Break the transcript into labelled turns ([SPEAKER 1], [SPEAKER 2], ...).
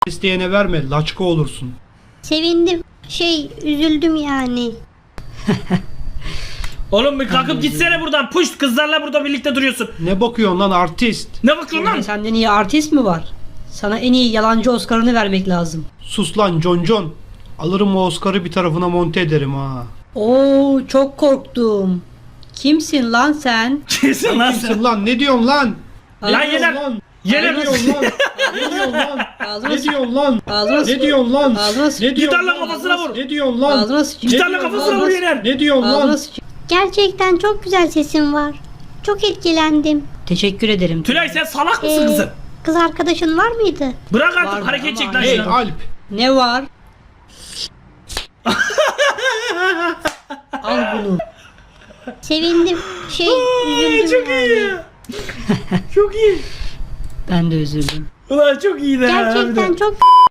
[SPEAKER 1] İsteyene verme, laçka olursun.
[SPEAKER 2] Sevindim. Üzüldüm yani.
[SPEAKER 3] Oğlum bir kalkıp gitsene buradan. Puşt, kızlarla burada birlikte duruyorsun.
[SPEAKER 1] Ne bakıyorsun lan artist?
[SPEAKER 3] Ne bakıyorsun lan?
[SPEAKER 4] Senden iyi artist mi var? Sana en iyi yalancı Oscar'ını vermek lazım.
[SPEAKER 1] Sus lan John. Alırım o Oscar'ı bir tarafına monte ederim ha.
[SPEAKER 4] Oo, çok korktum. Kimsin lan sen?
[SPEAKER 3] Kesin lan sen.
[SPEAKER 1] Kimsin lan? Ne diyorsun lan?
[SPEAKER 3] Lan
[SPEAKER 1] Ne
[SPEAKER 3] yener.
[SPEAKER 1] diyorsun lan?
[SPEAKER 3] Yener.
[SPEAKER 1] Ne diyorsun lan? Ne diyorsun lan?
[SPEAKER 4] Ağzına
[SPEAKER 1] Ne
[SPEAKER 4] sık.
[SPEAKER 1] diyorsun lan?
[SPEAKER 4] Ağzına sık.
[SPEAKER 1] Ne diyorsun lan?
[SPEAKER 4] Ağzına sık.
[SPEAKER 1] Ne diyorsun
[SPEAKER 3] Gitarla
[SPEAKER 1] lan?
[SPEAKER 3] kafasına vur.
[SPEAKER 1] Ne diyorsun lan?
[SPEAKER 4] Ağzına sık.
[SPEAKER 1] Ne
[SPEAKER 3] Gitarla
[SPEAKER 1] diyorsun
[SPEAKER 3] kafasına
[SPEAKER 1] lan?
[SPEAKER 3] vur Yener.
[SPEAKER 1] Ne diyorsun
[SPEAKER 4] Ağzına
[SPEAKER 1] lan?
[SPEAKER 4] sık.
[SPEAKER 2] Gerçekten çok güzel sesin var. Çok etkilendim.
[SPEAKER 4] Teşekkür ederim.
[SPEAKER 3] Tülay sen salak mısın
[SPEAKER 2] Ee,
[SPEAKER 3] kızım?
[SPEAKER 2] Kız arkadaşın var mıydı?
[SPEAKER 3] Bırak artık
[SPEAKER 4] Vardı
[SPEAKER 3] hareket
[SPEAKER 4] ama
[SPEAKER 3] çek lan
[SPEAKER 1] Hey
[SPEAKER 3] şuna.
[SPEAKER 1] Alp.
[SPEAKER 4] Ne var? Al bunu.
[SPEAKER 2] Sevindim. Üzüldüm
[SPEAKER 3] Çok
[SPEAKER 2] yani.
[SPEAKER 3] iyi. Çok iyi.
[SPEAKER 4] Ben de üzüldüm.
[SPEAKER 3] Ulan çok iyiydi ha.
[SPEAKER 2] Gerçekten
[SPEAKER 3] harbiden.
[SPEAKER 2] çok